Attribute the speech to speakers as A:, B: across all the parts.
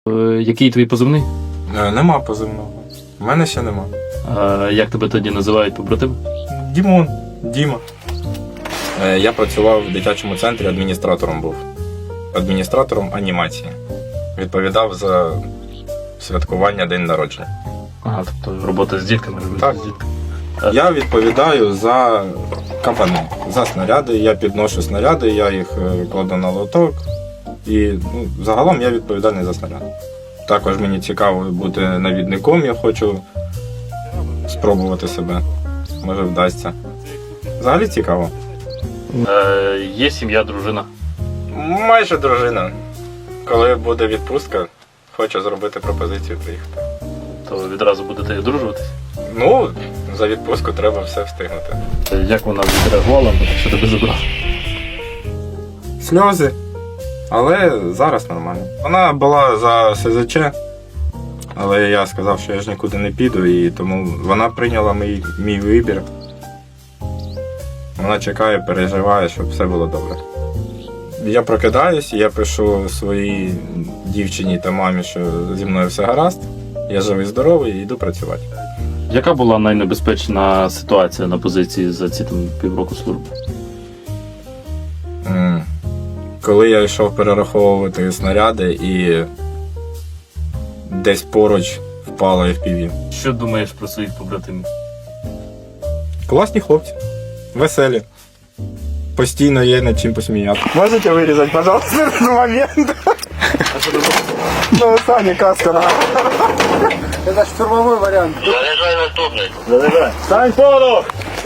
A: Який твій позивний?
B: Нема позивного. У мене ще нема.
A: Як тебе тоді називають побратими?
B: Дімон, Діма. Я працював в дитячому центрі, адміністратором був. Адміністратором анімації. Відповідав за святкування день народження.
A: Ага, тобто робота з дітками.
B: Так.
A: З дітками.
B: Я відповідаю за капани, за снаряди. Я підношу снаряди, я їх кладу на лоток. І загалом я відповідальний за снаряди. Також мені цікаво бути навідником, я хочу спробувати себе. Може вдасться. Взагалі цікаво.
A: Є сім'я, дружина.
B: Майже дружина. Коли буде відпустка, хочу зробити пропозицію приїхати.
A: То відразу будете одружуватись?
B: Ну, за відпустку треба все встигнути.
A: Як вона відреагувала, що тебе забрав?
B: Сльози. Але зараз нормально. Вона була за СЗЧ, але я сказав, що я ж нікуди не піду, і тому вона прийняла мій вибір. Вона чекає, переживає, щоб все було добре. Я прокидаюсь, я пишу своїй дівчині та мамі, що зі мною все гаразд, я живий, здоровий і йду працювати.
A: Яка була найнебезпечна ситуація на позиції за ці півроку служби?
B: Коли я йшов перераховувати снаряди і десь поруч впало FPV.
A: Що думаєш про своїх побратимів?
B: Класні хлопці, веселі. Постійно є над чим посміяти. Можете вирізати, пожалуйста, этот момент? Ну, Саня, каска.
C: Это штурмовой вариант.
D: Заряжай наступний.
A: Заряджай.
B: Стань поруч!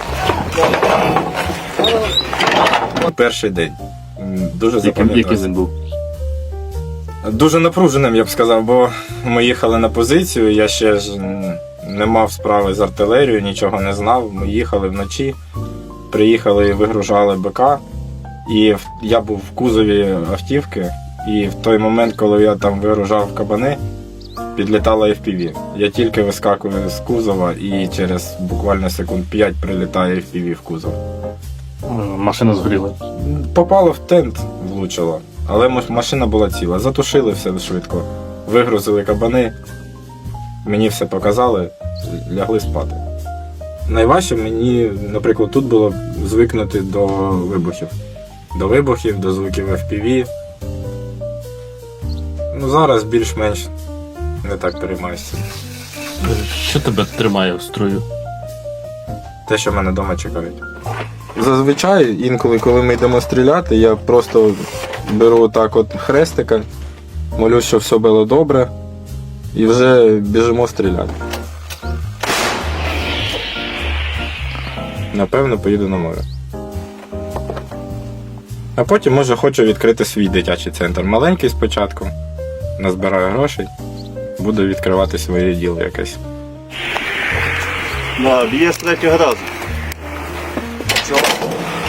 B: Перший день. Дуже
A: Яким
B: запам'ятався.
A: він був?
B: Дуже напруженим, я б сказав, бо ми їхали на позицію, я ще ж не мав справи з артилерією, нічого не знав. Ми їхали вночі, приїхали і вигружали БК. І я був в кузові автівки, і в той момент, коли я там вигружав кабани, підлітала FPV. Я тільки вискакую з кузова і через буквально секунд 5 прилітає FPV в кузов.
A: Машина згоріла.
B: Попало в тент, влучило, але машина була ціла. Затушили все швидко, вигрузили кабани, мені все показали, лягли спати. Найважче мені, наприклад, тут було звикнути до вибухів. До вибухів, до звуків FPV. Зараз більш-менш не так переймаюся.
A: Що тебе тримає в строю?
B: Те, що мене вдома чекають. Зазвичай, інколи, коли ми йдемо стріляти, я просто беру так от хрестика, молюсь, що все було добре, і вже біжимо стріляти. Напевно, поїду на море. А потім, може, хочу відкрити свій дитячий центр. Маленький спочатку, назбираю грошей, буду відкривати своє діло якесь.
D: Да, б'є з третього разу.